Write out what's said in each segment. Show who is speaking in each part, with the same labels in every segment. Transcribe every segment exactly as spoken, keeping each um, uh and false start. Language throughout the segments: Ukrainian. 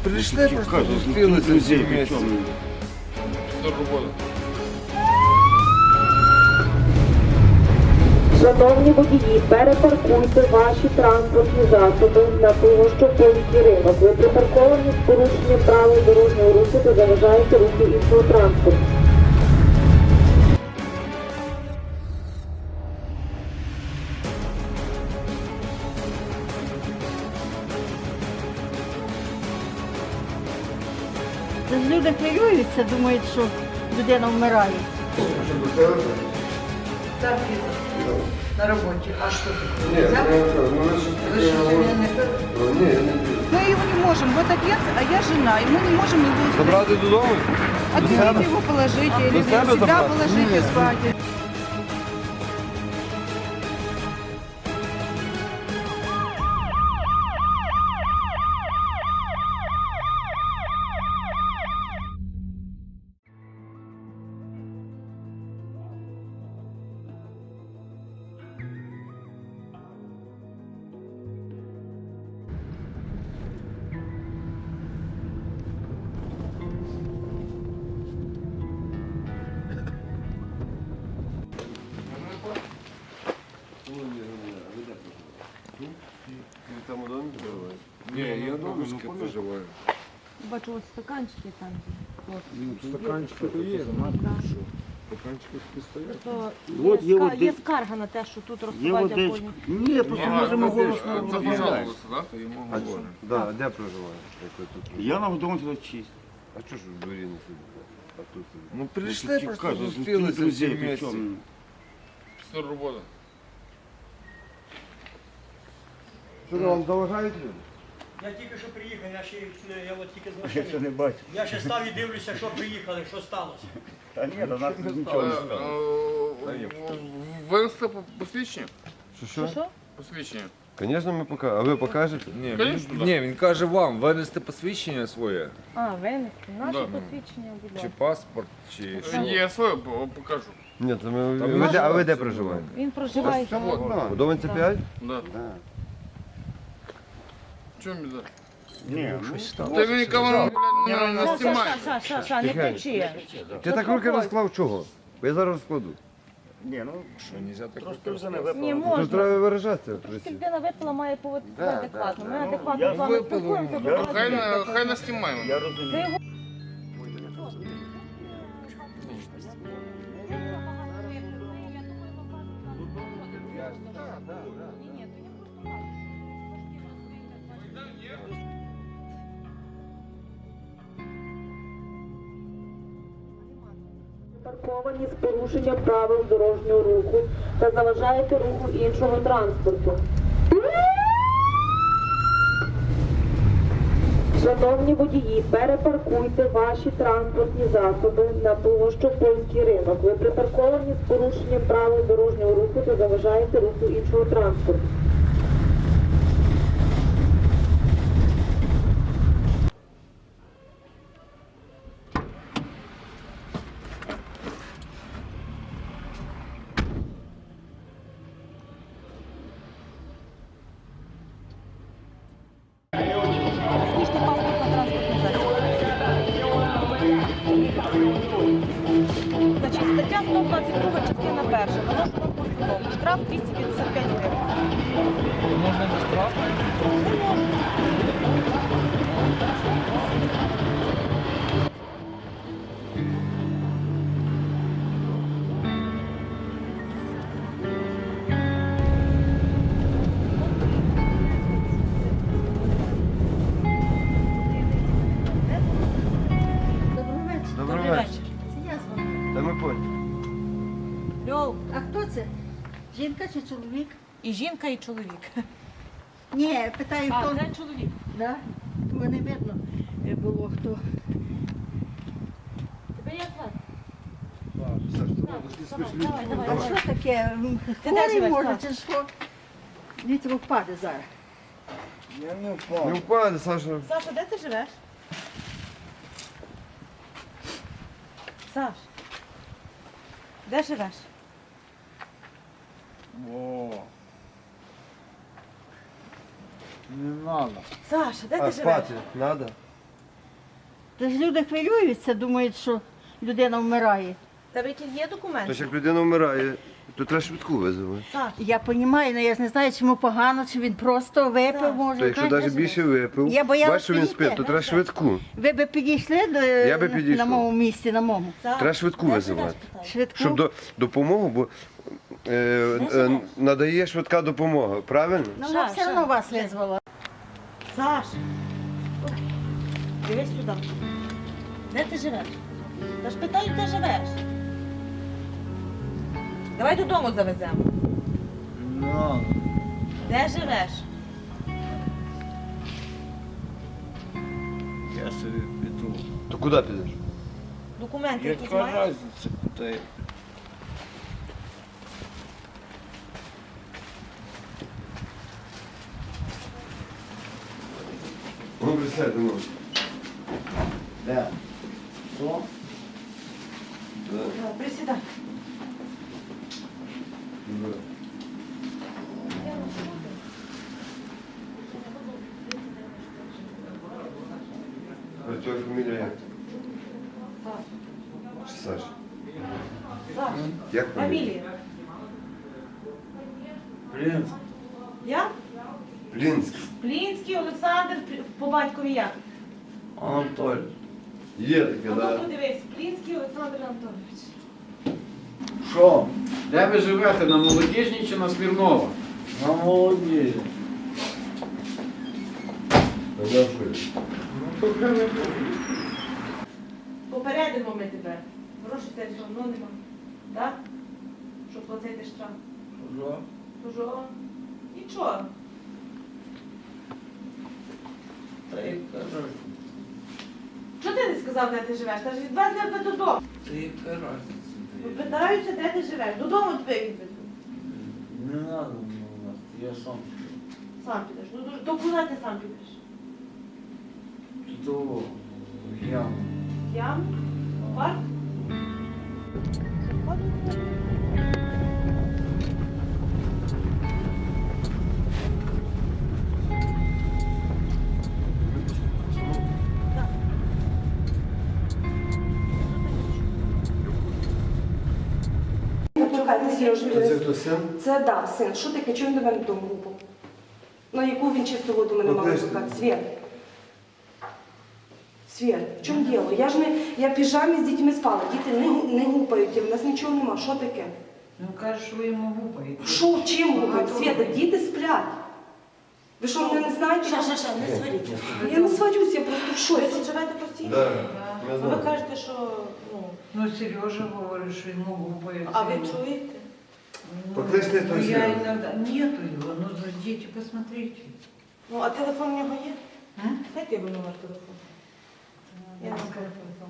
Speaker 1: Пришли, просто зустрілися всі вместе. Все робота.
Speaker 2: Шановні водії, перепаркуйте ваші транспортні засоби на Пивовщо-Польський ринок. Ви припарковані з порушенням правил дорожнього руху та заважаєте руху іншого транспорту.
Speaker 3: Люди хвилюються, думають, що людина вмирає.
Speaker 4: Так, на роботі. А що ти?
Speaker 5: Ні,
Speaker 4: Взяв? Ви що,
Speaker 5: не
Speaker 4: мене не пили?
Speaker 5: Ні, я не п'ю.
Speaker 6: Мы его не можем, вот отец, а я жена, и мы не можем его устроить.
Speaker 1: Забрати додому?
Speaker 6: Отвезите его, положите, или
Speaker 1: До себе
Speaker 6: себя
Speaker 1: забрати?
Speaker 6: положите спать.
Speaker 5: Там у домі проживаєш?
Speaker 1: Ні, я домушки проживаю.
Speaker 3: Бачу, ось стаканчики там.
Speaker 1: Стаканчики то є, стаканчики стоять.
Speaker 3: То
Speaker 7: От
Speaker 3: є,
Speaker 7: є
Speaker 3: ска-
Speaker 7: води-
Speaker 3: є скарга на те, що тут
Speaker 7: Є
Speaker 3: розсування
Speaker 7: водичка.
Speaker 3: коні.
Speaker 7: Ні, просто можемо голосно
Speaker 1: Це
Speaker 7: розмовляти.
Speaker 1: пожалуйста, так? То йому
Speaker 5: А що?
Speaker 1: говорять.
Speaker 5: Да, де проживаєш? Як ви тут?
Speaker 7: Я на годому тут чист.
Speaker 5: А що ж в дворі не сидите? А тут сидите?
Speaker 1: Ну прийшли, просто зустрілися всі вместе. Все робота.
Speaker 5: Що вам заважають люди?
Speaker 8: Я тільки що приїхав, я ще я от тільки з
Speaker 7: Я ще
Speaker 8: машини.
Speaker 7: не бачу.
Speaker 8: Я ще став і дивлюся, що приїхали, що сталося.
Speaker 7: Та ні, до нас нічого не стало.
Speaker 1: Винести посвідчення?
Speaker 5: Що що?
Speaker 3: Що?
Speaker 1: Посвідчення.
Speaker 5: Звісно, ми покажемо. А ви покажете?
Speaker 9: Ні,
Speaker 1: Конечно,
Speaker 9: він,
Speaker 1: да.
Speaker 9: ні, він каже вам винести посвідчення своє,
Speaker 3: А, винести. Наше
Speaker 1: Да.
Speaker 3: посвідчення, будь
Speaker 9: чи
Speaker 3: ласка.
Speaker 9: паспорт, чи що.
Speaker 1: Я своє по- покажу.
Speaker 5: Ні, це ми...
Speaker 9: Та
Speaker 5: ви
Speaker 9: ви
Speaker 5: де- А ви
Speaker 9: ж-
Speaker 5: де проживаєте?
Speaker 3: Він проживає.
Speaker 5: У Доминці п'ять?
Speaker 1: Да.
Speaker 7: Да.
Speaker 1: Чому біда?
Speaker 7: Ні, ну,
Speaker 1: Ти мені камеру, блядь, не- не
Speaker 3: Ша,
Speaker 1: знімай.
Speaker 3: ша, ша, ша, не
Speaker 5: Тихенько.
Speaker 3: кричи.
Speaker 5: Ти так руки розклав чого? Бо я зараз розкладу.
Speaker 7: ні, ну,
Speaker 9: Що, нельзя так
Speaker 7: трошки вже не
Speaker 3: Ні,
Speaker 7: випало.
Speaker 5: Тут
Speaker 3: можна.
Speaker 5: треба виражатися.
Speaker 3: Тільки людина випила, має поводитися
Speaker 7: Да,
Speaker 3: адекватно.
Speaker 7: да,
Speaker 3: Ми
Speaker 7: да. Ну,
Speaker 3: адекватно
Speaker 7: я
Speaker 3: з вами
Speaker 1: випила,
Speaker 3: спілкуємося.
Speaker 7: я
Speaker 3: будь
Speaker 1: Хай
Speaker 3: ласка.
Speaker 1: не, хай не знімаємо.
Speaker 7: Я розумію.
Speaker 3: Ви його
Speaker 2: Парковані з порушенням правил дорожнього руху та заважаєте руху іншого транспорту. Шановні водії, перепаркуйте ваші транспортні засоби на Пивовщо-Польський ринок. Ви припарковані з порушенням правил дорожнього руху та заважаєте руху іншого транспорту.
Speaker 3: технічний паспорт на транспортний засіб. Значить, стаття сто двадцять два, частина перша. Виношена постанова. Штраф двісті п'ятдесят п'ять гривень.
Speaker 9: Можна без штрафу?
Speaker 5: Добрий
Speaker 3: Добрий
Speaker 5: вечір.
Speaker 3: вечір.
Speaker 4: Це я з вами.
Speaker 5: Та ми поняли.
Speaker 3: Льов.
Speaker 4: А хто це? Жінка чи чоловік?
Speaker 3: І жінка, і чоловік.
Speaker 4: Ні, питаю,
Speaker 3: А,
Speaker 4: хто.
Speaker 3: це чоловік.
Speaker 4: Да? Бо не видно е, було хто.
Speaker 3: Тебе як звати?
Speaker 5: Саш,
Speaker 3: Давай, давай,
Speaker 4: А
Speaker 3: давай.
Speaker 4: що таке? М,
Speaker 3: Ти де
Speaker 4: Хворий
Speaker 3: живеш,
Speaker 4: може,
Speaker 3: Саш?
Speaker 4: чи що? Дивіться, бо впаде зараз.
Speaker 7: Я не
Speaker 5: Не
Speaker 7: впав.
Speaker 5: впаде, Саша.
Speaker 3: Саша, де ти живеш? Саш, де живеш?
Speaker 9: О. Не надо.
Speaker 3: Саша, де
Speaker 5: А
Speaker 3: ти живеш?
Speaker 5: спати треба?
Speaker 4: Тож люди хвилюються, думають, що людина вмирає.
Speaker 3: Тебе які є документи?
Speaker 5: Тож як людина вмирає, то треба швидку визивати.
Speaker 4: Я розумію, але я ж не знаю, чому погано, чи він просто випив, може.
Speaker 5: То якщо
Speaker 4: знаєте.
Speaker 5: навіть більше випив,
Speaker 4: Я боялась
Speaker 5: бачиш, що він
Speaker 4: підійти.
Speaker 5: спить, то треба швидку.
Speaker 4: Ви б підійшли до,
Speaker 5: Я би
Speaker 4: на
Speaker 5: підійшов.
Speaker 4: моєму місці, на моєму?
Speaker 5: Треба швидку визивати.
Speaker 4: Швидку?
Speaker 5: Щоб до, допомогу, бо е, е, надає швидка допомога, правильно?
Speaker 4: Ну, вона все одно вас визвала.
Speaker 3: Саш, дивись сюди. Де ти живеш? Та ж питаю, де живеш? Давай додому завеземо.
Speaker 9: Ну,
Speaker 3: Де живеш?
Speaker 9: я собі піду.
Speaker 5: То куди підеш?
Speaker 3: Документи якісь
Speaker 9: Яка
Speaker 3: маєш?
Speaker 9: різниця, куди я?
Speaker 5: Ну, присядьте, ну.
Speaker 9: Де? Що?
Speaker 5: Да.
Speaker 3: Присідай.
Speaker 5: Да. А твоя фамілія як? Чи Саш?
Speaker 3: Саш,
Speaker 5: Як фамілія?
Speaker 3: фамілія.
Speaker 9: Принц.
Speaker 3: Я?
Speaker 5: Плінськ.
Speaker 3: Плінський Олександр, Плі- по батькові як?
Speaker 9: Анатолій.
Speaker 5: Є таке,
Speaker 3: Ну,
Speaker 5: да.
Speaker 3: тут подивись, Плінський Олександр Анатолійович.
Speaker 10: Що? Де ви живете? На Молодіжній чи на Смірнова?
Speaker 9: На молоді. Ну, то хай не буде.
Speaker 3: Попередимо ми тебе. Грошей тебе все одно нема. Так? Щоб платити штраф.
Speaker 9: Що?
Speaker 3: Тожо. Нічого.
Speaker 9: Та яка разниця?
Speaker 3: Чого ти не сказав, де ти живеш? Та ж відвезли тебе додому.
Speaker 9: Та яка разниця? де я?
Speaker 3: Питаюся, де ти живеш. Додому тебе відвезу.
Speaker 9: Не треба мене, я сам піду.
Speaker 3: Сам підеш. Ну, до, до куди ти сам підеш?
Speaker 9: До яму.
Speaker 3: Я? Парк?
Speaker 2: Почекайте, Сереж,
Speaker 5: Це хто син?
Speaker 2: це да, син. Що таке? Чому він до мене вдома гупав? На яку він чисту воду мене мав
Speaker 5: Покличте.
Speaker 2: викликати? Світ. Світ, в чому діло? Я ж не, я в піжамі з дітьми спала, діти не, гу- не гупають, в нас нічого нема. Що таке?
Speaker 4: Ну, кажеш, ви йому гупаєте.
Speaker 2: Що, чим гупають? Світа, діти сплять. Ви що, мене не знаєте?
Speaker 3: Ша, ша, ша, не сваріться.
Speaker 2: Я не сварюсь, я просто в
Speaker 3: Ви
Speaker 2: шоці.
Speaker 3: тут живете постійно?
Speaker 5: Да.
Speaker 3: Ну,
Speaker 5: Я
Speaker 3: ви
Speaker 5: знаю.
Speaker 3: кажете, що, ну,
Speaker 6: Ну, Сережа говорит, что ему губы.
Speaker 3: а ви чуєте?
Speaker 5: Покличте
Speaker 6: Ну,
Speaker 5: того
Speaker 6: я
Speaker 5: Сережу.
Speaker 6: иногда... Нету его, ну, зайдите, посмотрите.
Speaker 3: Ну, а телефон у нього є?
Speaker 6: М?
Speaker 3: Дайте його номер телефону. Я не знаю.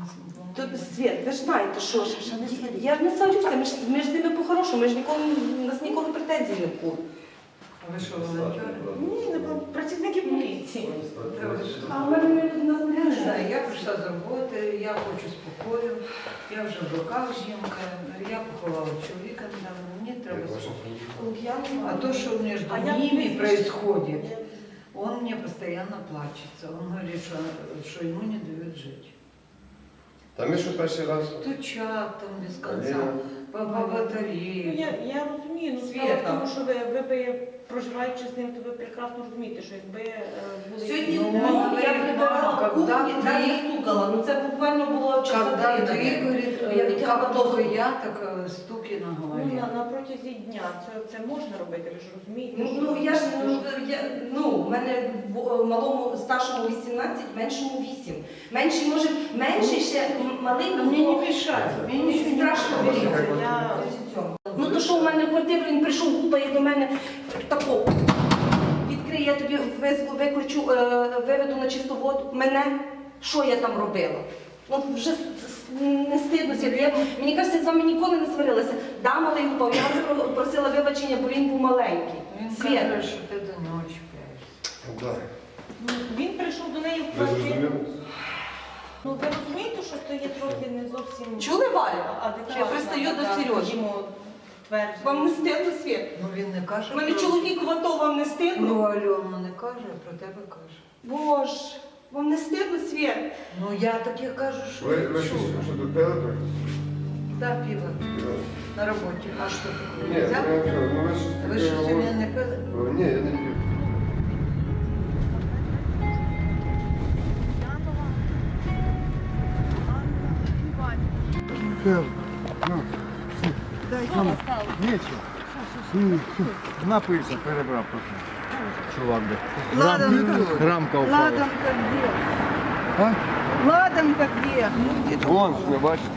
Speaker 2: Тут Світ, ви ж знаєте, що ж. Я ж не сварюся, ми ж, ми ж з ними по-хорошому, ми ж ніколи, у нас ніколи претензій не було.
Speaker 6: А вы что, волонтеры?
Speaker 3: Ні, не було. Працівники поліції.
Speaker 2: А в мене не
Speaker 6: Я не знаю, я прийшла з роботи, я хочу спокою, я вже в руках жінка, я поховала чоловіка недавно, мені треба спокою. А то, что между
Speaker 3: А я
Speaker 6: ними
Speaker 3: не
Speaker 6: происходит, он мне постоянно плачется. Он говорит, что, что ему не дают жить.
Speaker 5: Та ми що перший раз?
Speaker 6: Стучат там без конца,
Speaker 5: Аліна.
Speaker 6: по, по
Speaker 3: Ну,
Speaker 6: батареї.
Speaker 3: я, я розумію, ну справа
Speaker 6: Світа.
Speaker 3: в тому, що ви, ви би, проживаючи з ним, то ви прекрасно розумієте, що якби е, були...
Speaker 2: Сьогодні
Speaker 6: Ну,
Speaker 2: ну,
Speaker 6: мама,
Speaker 2: я прибирала
Speaker 6: когда
Speaker 2: кухню,
Speaker 6: ты-
Speaker 2: так не стукала. Ну це буквально було часа
Speaker 6: Когда
Speaker 2: три,
Speaker 6: ты,
Speaker 2: наверное.
Speaker 6: говорит,
Speaker 2: Я
Speaker 6: э,
Speaker 2: витягла
Speaker 6: как только
Speaker 2: посуду.
Speaker 6: я, так э, стуки на
Speaker 3: Ну,
Speaker 6: голове.
Speaker 3: на, на протязі дня це, це можна робити, ви ж розумієте?
Speaker 2: Ну,
Speaker 3: що-
Speaker 2: ну я ж ну, я, ну, в мене в- малому старшому вісімнадцять, меншому вісім. Менший може, менший ще м- малий,
Speaker 6: Но
Speaker 2: ну,
Speaker 6: мне
Speaker 2: то-
Speaker 6: не мешает, мне
Speaker 2: ну,
Speaker 6: ничего не
Speaker 2: страшно
Speaker 6: мешает.
Speaker 2: боїться.
Speaker 3: Я...
Speaker 2: Ну то що в мене в квартиру, він прийшов, гупає до мене тако. Відкриє, я тобі виз- викличу, е, виведу на чисту воду. Мене? Що я там робила? Ну вже с- с- не стидно сіти. Я, мені кажеться, з вами ніколи не сварилася. Да, малий гупав, я вас про- просила вибачення, бо він був маленький.
Speaker 6: Він
Speaker 2: Світ.
Speaker 6: каже, що ти до нього чіпляєшся.
Speaker 5: Да.
Speaker 3: Ну, він прийшов до неї в
Speaker 5: Ви
Speaker 3: квартиру.
Speaker 5: зрозуміли?
Speaker 3: Ну, ви розумієте, що це є трохи не зовсім...
Speaker 2: Чули, Валя?
Speaker 3: адекватна
Speaker 2: Що я пристаю до
Speaker 3: така,
Speaker 2: Сережі?
Speaker 3: скажімо, твердження.
Speaker 2: Вам не стидно, Світ?
Speaker 6: Ну він не каже.
Speaker 2: У мене
Speaker 6: про-
Speaker 2: чоловік в АТО, вам не стидно?
Speaker 6: Ну, Альона не каже, а про тебе каже.
Speaker 2: Боже, вам не стидно, Світ?
Speaker 6: Ну я таке кажу, що
Speaker 5: Ви,
Speaker 6: я
Speaker 5: ви що,
Speaker 6: чула.
Speaker 5: що тут пили трохи?
Speaker 6: Да, пиво на роботі. А що
Speaker 5: Ні,
Speaker 6: ти взяв?
Speaker 5: я кажу, ну ви щось
Speaker 6: Ви
Speaker 5: таке
Speaker 6: що сьогодні
Speaker 5: говорите.
Speaker 6: не пили?
Speaker 5: О, ні, я не п'ю.
Speaker 7: Напився, перебрав трохи. Чувак, де.
Speaker 4: Ладанка.
Speaker 7: Рамка упала.
Speaker 4: Ладанка где?
Speaker 7: А?
Speaker 4: Ладанка где?
Speaker 5: Вон, ж не бачите.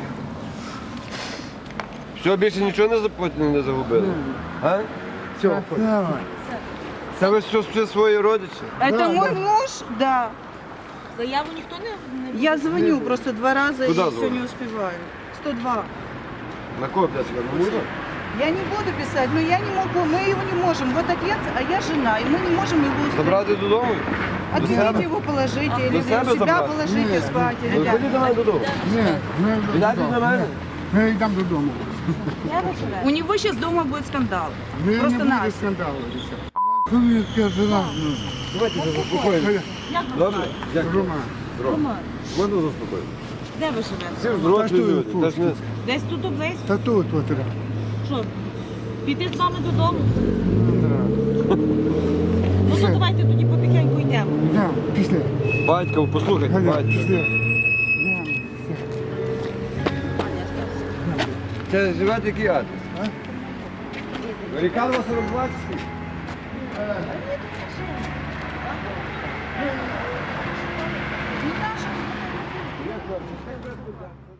Speaker 5: Все, більше нічого не запотіли, не загубили? А?
Speaker 7: Все,
Speaker 5: Це ви все, все свої родичі?
Speaker 4: Это мой муж? Да.
Speaker 3: Заяву ніхто не... не...
Speaker 4: Я звоню просто два раза
Speaker 5: Куда
Speaker 4: и все
Speaker 5: звонишь?
Speaker 4: не успеваю. сто два.
Speaker 5: На кого взяти? На мужа?
Speaker 4: Я не буду писать, но я не могу, мы его не можем. Вот отец, а я жена, и мы не можем его устроить.
Speaker 5: Забрати додому? До себе?
Speaker 4: Отвезите его, положите, или
Speaker 5: До себе
Speaker 4: себя
Speaker 5: забрати?
Speaker 4: положите спать. Или
Speaker 5: Ну, ходіть до мене додому.
Speaker 7: Ні, ми
Speaker 5: Йдете до мене?
Speaker 7: Ми йдемо додому.
Speaker 3: У него сейчас дома будет скандал.
Speaker 7: Ми
Speaker 3: Просто
Speaker 7: не буде
Speaker 3: Настя.
Speaker 7: скандалу. Хвилинка жена.
Speaker 5: Давайте заспокоїмо. Добре? Дякую.
Speaker 7: Рома.
Speaker 5: Можна заспокоїти?
Speaker 3: Де ви живете?
Speaker 5: Всі ж дорослі люди. Та ж не-
Speaker 3: Десь тут близько?
Speaker 7: Та тут от.
Speaker 3: Що? Піти з вами додому? Ну то давайте тоді потихеньку йдемо.
Speaker 7: Да, після.
Speaker 5: Батько, послухайте,
Speaker 7: Галя,
Speaker 5: батько.
Speaker 7: після.
Speaker 5: Це живете який адрес? Ріканова сорок два чи скільки?
Speaker 4: Не наша.